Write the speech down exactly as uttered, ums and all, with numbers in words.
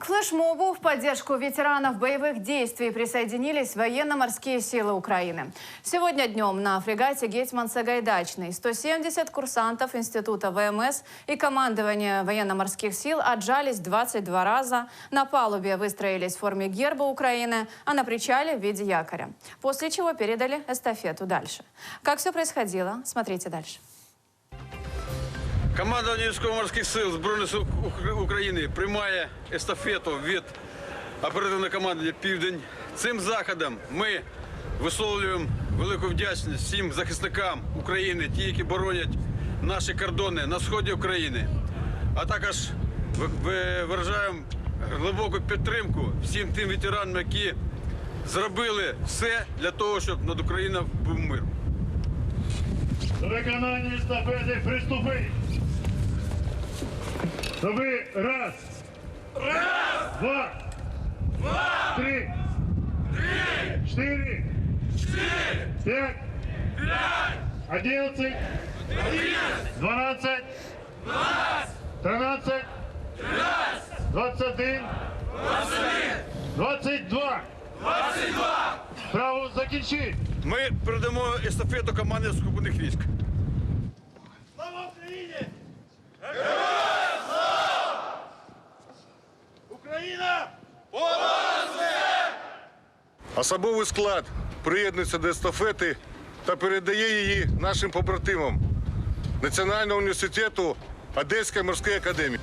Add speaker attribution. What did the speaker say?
Speaker 1: К флешмобу в поддержку ветеранов боевых действий присоединились военно-морские силы Украины. Сегодня днем на фрегате «Гетьман Сагайдачный» сто семьдесят курсантов Института ВМС и командования военно-морских сил отжались двадцать два раза, на палубе выстроились в форме герба Украины, а на причале в виде якоря. После чего передали эстафету дальше. Как все происходило, смотрите дальше.
Speaker 2: Командування військово-морських сил Збройних сил України приймає естафету від оперативного командування «Південь». Цим заходом ми висловлюємо велику вдячність всім захисникам України, ті, які боронять наші кордони на сході України. А також виражаємо глибоку підтримку всім тим ветеранам, які зробили все для того, щоб над Україною був мир.
Speaker 3: До виконання естафети приступи. Чтобы раз, раз, два, два, три, три, четыре, четыре, пять, пять, одиннадцать, одиннадцать, двенадцать, двенадцать, тринадцать, тринадцать, двадцать один, двадцать один, двадцать два, двадцать два. Право закінчити.
Speaker 2: Ми передамо естафету команді сухопутних військ.
Speaker 3: Слава Україні! Україна!
Speaker 4: Особовий склад приєднується до естафети та передає її нашим побратимам Національного університету Одеської морської академії.